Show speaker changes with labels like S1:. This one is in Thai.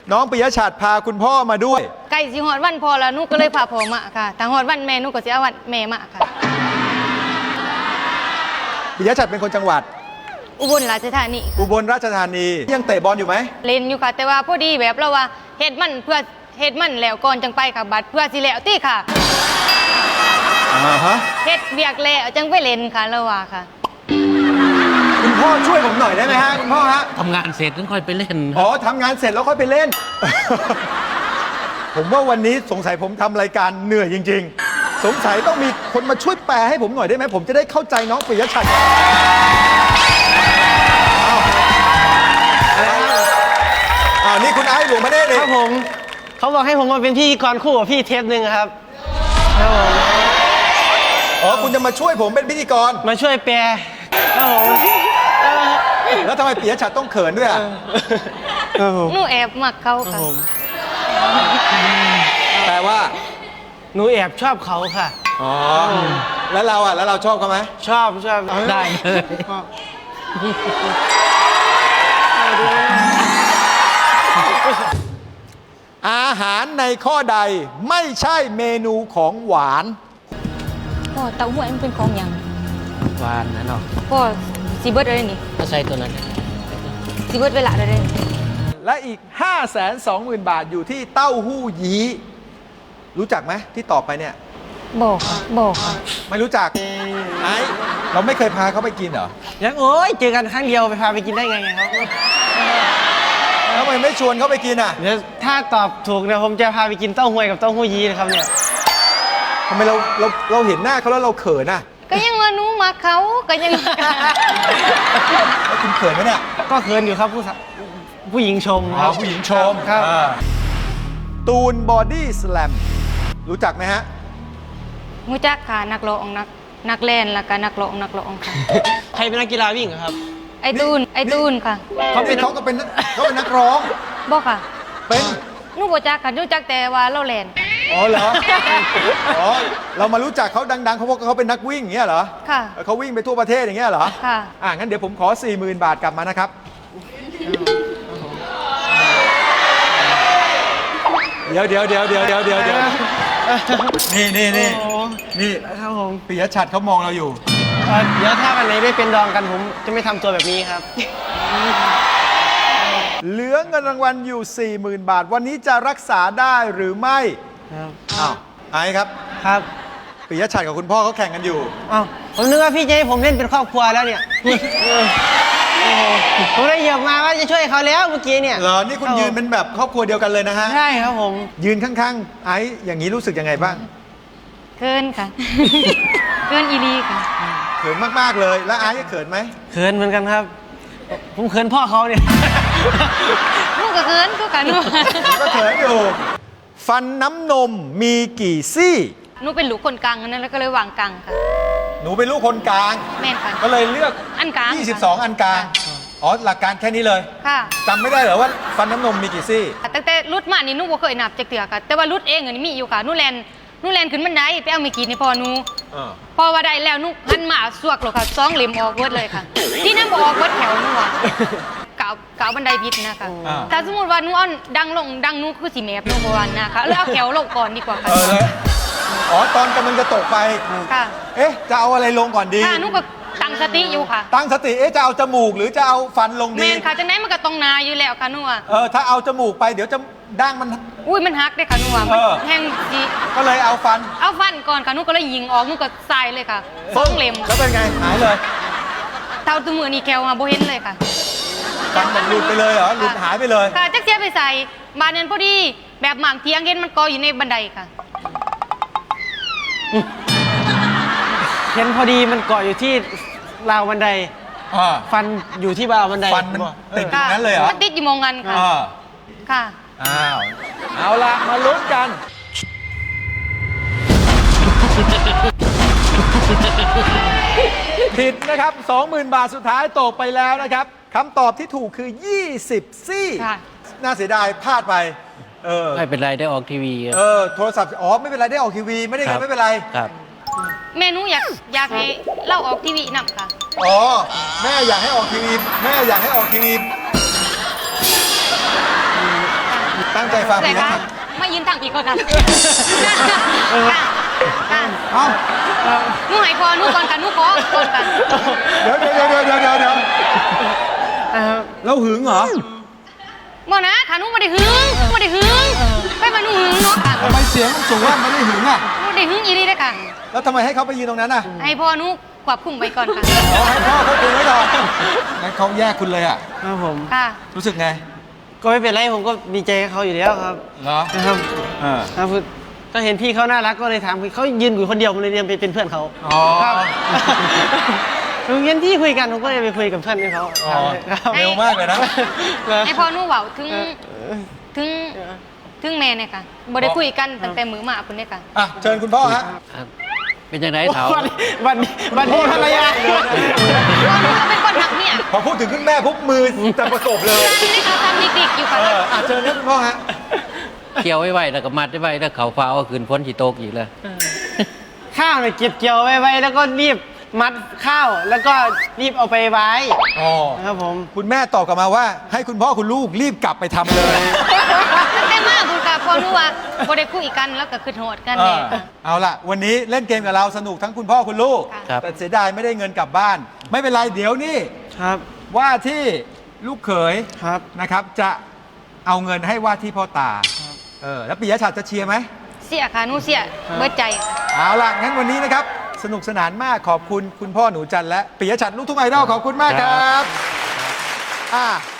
S1: น้องปิยชัดพาคุณพ่อมาด้วย
S2: ไก่สิหอดวันพอแล้วนุก็เลยพาพ่อมาค่ะถ้าหอดวันแม่นุก็สิเอาวันแม่มาค่ะ
S1: ปิยชัดเป็นคนจังหวัด
S2: อุบลราชธานี
S1: อุบลราชธานียังเตะบอลอยู่ไหม
S2: เล่นอยู่ค่ะแต่ว่าพอดีแบบเราว่าเฮ็ดมันเพื่อเฮ็ดมันแล้วก่อนจังไปค่ะบัดเพื่อสิแล้วตี้ค่ะเฮ็ดเวียกแล้วจังไปเล่นค่ะเราว่าค่ะ
S1: คุณพ่อช่วยผมหน่อยได้ไหมฮะคุณพ่อฮะ
S3: ทำงานเสร็จแล้วค่อยไปเล่น
S1: อ๋อทำงานเสร็จแล้วค่อยไปเล่น ผมว่าวันนี้สงสัยผมทำรายการเหนื่อยจริงๆสงสัยต้องมีคนมาช่วยแปลให้ผมหน่อยได้ไหมผมจะได้เข้าใจน้องปิยชัดนี่คุณไอ้หลวงพระเนตร
S4: ครับผมเขาบอกให้ผมมาเป็นพิธีกรคู่กับพี่เทปหนึ่งครับครับผม
S1: อ๋อคุณจะมาช่วยผมเป็นพิธีกร
S4: มาช่วยแปลครับผม
S1: แล้วทำไมปิยชัดต้องเขินด้วยอ่ะ
S2: หนูแอบมักเขาค่ะ
S1: แปลว่า
S4: หนูแอบชอบเขาค่ะ
S1: อ๋อแล้วเราอ่ะแล้วเราชอบเขาไหม
S4: ชอบ
S3: ได้เลย
S1: อาหารในข้อใดไม่ใช่เมนูของหวาน
S2: พ่อเต้าหู้มันเป็นของอย่าง
S3: หวานนะเนาะ
S2: พ่อซีเบิร์ดอะไรนี่
S3: ก็ใช่ตัวนั้น
S2: ซีเบิร์ดเวลาอะไร
S1: และอีก 520,000 บาทอยู่ที่เต้าหู้ยี้รู้จักไหมที่ตอบไปเนี่ย
S2: บอกค่ะ
S1: ไม่รู้จักไอ้เราไม่เคยพาเขาไปกินเหรอ
S4: ยังโอ้ยเจอกันครั้งเดียวไปพาไปกินได้ไงครับ
S1: ทำไมไม่ชวนเขาไปกินอ่ะ
S4: เดี๋ยวถ้าตอบถูกเนี่ยผมจะพาไปกินเต้าหวยกับเต้าหู้ยี้นะครับเนี่ย
S1: ทำไมเราเห็นหน้าเขาแล้วเราเขินอ่ะ
S2: ก็ยังว่านุมาเขาก็ยัง
S1: แล้วคุณเขินไหมเนี่ย
S4: ก็เขินอยู่ครับผู้หญิงชมครับ
S1: ผู้หญิงชม
S4: ครับ
S1: ตูนบอดี้สแลมรู้จักไหมฮะ
S2: รู้จักค่ะนักร้องนักเล่นแล้วก็นักร้องค่ะ
S4: ใครเป็นนักกีฬาวิ่งครับ
S2: ไอ้ตูนค่ะ
S1: เขาก็เป็นนักร้อง
S2: บอกค่ะ
S1: เป็น
S2: นุบ่จักค่ะรู้จักแต่ว่าเราเล่น
S1: อ๋อเหรออ๋อเรามารู้จักเขาดังๆเขาเพราะเขาเป็นนักวิ่งอย่างเงี้ยเหรอ
S2: ค่ะ
S1: เขาวิ่งไปทั่วประเทศอย่างเงี้ยเหรอ
S2: ค่ะ
S1: งั้นเดี๋ยวผมขอ 40,000 บาทกลับมานะครับเดี๋ยวนี่
S4: ครับผม
S1: ปิยชัดเขามองเราอยู่
S4: เดี๋ยวถ้าวันไหนไม่เป็นดองกันผมจะไม่ทำตัวแบบนี้ครับ
S1: เหลือเงินรางวัลอยู่ 40,000 บาทวันนี้จะรักษาได้หรือไม่
S4: ครับ
S1: ไอ้ครับ
S4: ครับ
S1: ปิยชัดกับคุณพ่อเขาแข่งกันอยู่
S4: ผมนึกว่าพี่จะให้ผมเล่นเป็นครอบครัวแล้วเนี่ยผมได้เหยียบมาว่าจะช่วยเขาแล้วเมื่อกี้เนี่ย
S1: เหรอนี่คุณยืนเป็นแบบครอบครัวเดียวกันเลยนะฮะ
S4: ใช่ครับผม
S1: ยืนข้างๆไอ้อย่างนี้รู้สึกยังไงบ้าง
S2: เขินค่ะเขินอีลีค่ะ
S1: เขินมากๆเลยแล้วไอ้เขินไหม
S4: เขินเหมือนกันครับผมเขินพ่อเขาเนี่ย
S2: ลูกก็เขินก็กัน
S1: ก็เขินอยู่ฟันน้ำนมมีกี่ซี่
S2: หนูเป็นลูกคนกลางนั่นแล้วก็เลยวางกลางค่ะ
S1: หนูเป็นลูกคนกลาง
S2: แม่ค่ะ
S1: ก็เลยเลือก
S2: อันกลาง
S1: 22อันกลางหลักการแค่นี้เลย
S2: ค่ะ
S1: จำไม่ได้เหรอว่าฟันน้ำนมมีกี่ซี่
S2: ตั้งแต่รุดมานี่หนูบ่เคยนับจักเทื่อค่ะแต่ว่ารุดเองนี่มีอยู่ค่ะหนูแลนขึ้นบันไดไปเอามีกี่นี่พอหนูพอว่าได้แล้วหนูหันมาสวกหรอกค่ะ2 เหลี่ยมออกเบิดเลยค่ะที่นั่นบ่ออกเบิดแถวหนูอ่ะกาวบันไดพิษนะคะถ้าสมมติว่าหนูเอาดังหนูคือสิแมบหนูบ่วันนะคะแล้วเอาแถวลงก่อนดีกว่าค่ะ
S1: ตอนกำลังจะตกไป
S2: ค่ะ
S1: จะเอาอะไรลงก่อนดี
S2: ค่ะหนูก็ตั้งสติอยู่ค่ะ
S1: ตั้งสติจะเอาจมูกหรือจะเอาฟันลงดี
S2: แม่นค่ะจังได๋มันก็ต้องนาอยู่แล้วค่ะหนูอ่ะ
S1: ถ้าเอาจมูกไปเดี๋ยวจะดั้งมัน
S2: มันหักได้ค่ะหนูอ่ะแห้งจี
S1: ก็เลยเอาฟัน
S2: ก่อนค่ะหนูก็เลยยิงออกหนูก็ใส่เลยค่ะ2 เหลี่ยม
S1: แล้วเป็นไงหายเลย
S2: เท่าตัวมือนี่แควมาบ่เห็นเลยค่ะ
S1: ฟันมันหลุดไปเลยเหรอหลุดหายไปเลย
S2: ค่ะจักเสียไปใส่บานนั้นพอดีแบบหมางเทียงเห็นมันกออยู่ในบันไดค่ะ
S4: เห็นพอดีมันเกาะอยู่ที่ราวบันไดฟันอยู่ที่ราวบันได
S1: ฟันมันติดอย่างนั้นเลยเหรอ
S2: มันติดอยู่มองกันค่ะค่ะ
S1: เอาละมาลุ้นกันผิดนะครับ 20,000 บาทสุดท้ายตกไปแล้วนะครับคำตอบที่ถูกคือ20ซี่น่าเสียดายพลาดไป
S3: ไม่เป็นไรได้ออกทีวี
S1: โทรศัพท์ไม่เป็นไรได้ออกทีวีไม่ได้เงินไม่เป็นไร
S3: ครับ
S2: เมนูอยากให้เล่าออกทีวีนำค่ะ
S1: แม่อยากให้ออกทีวีฟัง
S2: เอื่
S1: ปิ
S2: อย
S1: ย
S2: คะ
S1: ชัด
S2: ไม่ยืนทางอีกก่อนค่ะค่ะค่ะ
S1: เอ้า
S2: หนูใหายพอหนูก่อนกันหนูขอก่อนกัน
S1: เดี๋ยวแล้วหึงเหรอ
S2: บ่นะค่ะหนูไม่ได้หึงไม่ได้หึงไปมาหนูหึงเนาะค่ะ
S1: ทำไมเสียงมันสูงว่าไม่ได้หึงอ่ะ
S2: หนูได้หึงอีนี่ได้อค่ะ
S1: แล้วทำไมให้เขาไปยืนตรงนั้นอ่ะ
S2: ให้พ่อหนูควบคุมไปก่อนค่ะ
S1: อ๋อให้พ่อเขาคุยไว้ก่อนงั้นเขาแยกคุณเลยอ่ะ
S4: ครับผม
S2: ค่ะ
S1: รู้สึกไง
S4: ก็ไม่เป็นไรผมก็ดีใจกับเขาอยู่แล้วครับ
S1: เหรอ
S4: นะครับ
S1: เออ
S4: ครับก็เห็นพี่เขาน่ารักก็เลยถามเขายืนอยู่คนเดียวผมเลยเรียนไปเป็นเพื่อนเขา
S1: อ๋อ
S4: ครับผมเห็นพี่คุยกันผมก็เลยไปคุยกับเพื่อนเขา
S1: อ๋อ
S4: ครับ
S1: เร็วมากเลยนะ
S2: ให้พ่อหนูเว้าถึงแม่เนี่ยค่ะบ่ได้คุยกันตั้งแต่มื้อมาพุ่นเนี่ยค่ะ
S1: อ่ะเชิญคุณพ่อฮะ
S3: ครับเป็นยังไงเถา
S4: วันนี้ภรรยา
S2: พ่อหนูก็เป็นคนหักเนี่ย
S1: พอพูดถึงคุณแม่ปุ๊บมือจะประกบเลย
S2: ที่นี่เขาทำดิกๆอยู่ค่ะ
S1: อ่ะเชิญนะคุณพ่อฮะ
S3: เกี่ยวไว้ไว้แล้วก็มัดไว้แล้วเขาฟ้าเอาคืนพ้นฉีโตกอีกเลย
S4: ข้าวเนี่ยเก็บเกี่ยวไว้แล้วก็รีบมัดข้าวแล้วก็รีบเอาไปไว้
S1: อ๋อ
S4: นะครับผม
S1: คุณแม่ตอบกลับมาว่า ให้คุณพ่อคุณลูกรีบกลับไปทำเลย
S2: ตั้งแต่มาพุ่นค่ะพ่อหนูว่าบ่ได้คุยกันแล้วก็คือโหดกัน
S1: เอ
S2: แน่
S1: อเอาล่ะ วันนี้เล่นเกมกับเราสนุกทั้งคุณพ่อคุณลูก
S3: ครับ
S1: แต่เสียดายไม่ได้เงินกลับบ้าน ไม่เป็นไรเดี๋ยวนี่
S4: ครับ
S1: ว่าที่ลูกเขย
S4: ครับ
S1: นะครับ จะเอาเงินให้ว่าที่พ่อตาแล้วปิยชัดจะเชียร์ไหม
S2: เสียค่ะหนูเสียเบิดใจค่ะ
S1: เอาล่ะ งั้นวันนี้นะครับ สนุกสนานมากขอบคุณคุณพ่อหนูจันทร์และปิยชัดลูกทุ่งไอดอลขอบคุณมากครับ